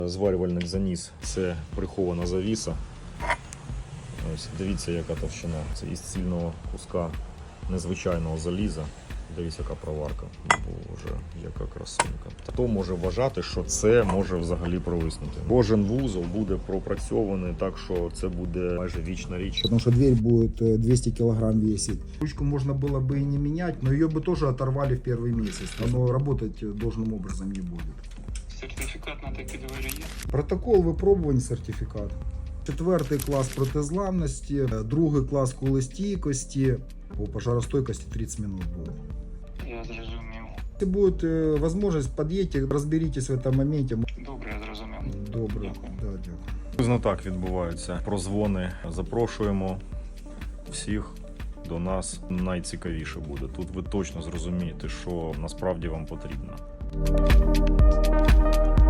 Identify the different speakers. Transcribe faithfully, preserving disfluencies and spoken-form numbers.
Speaker 1: Зварювальник заніс, це прихована завіса. Ось, дивіться, яка товщина. Це із цільного куска незвичайного заліза. Дивіться, яка проварка. Боже, яка красунька. Хто може вважати, що це може взагалі провиснути? Кожен вузол буде пропрацьований так, що це буде майже вічна річ.
Speaker 2: Потому что дверь будет двести килограмм весить. Ручку можно было бы и не менять, но ее бы тоже оторвали в первый месяц. Оно работать должным образом не будет.
Speaker 3: Сертифікат на такі двері є?
Speaker 2: Протокол випробувань, сертифікат. Четвертий клас протизламності, другий клас кулестійкості, по пожаростойкості тридцять минут буде.
Speaker 3: Я зрозумів.
Speaker 2: Если будет э, возможность, подъедьте, разберитесь в этом моменте.
Speaker 3: Добре, я зрозумів.
Speaker 2: Добре,
Speaker 3: Дякую.
Speaker 2: да, дякую.
Speaker 1: Приблизно так відбуваються прозвони. Запрошуємо всіх до нас. Найцікавіше буде. Тут ви точно зрозумієте, що насправді вам потрібно.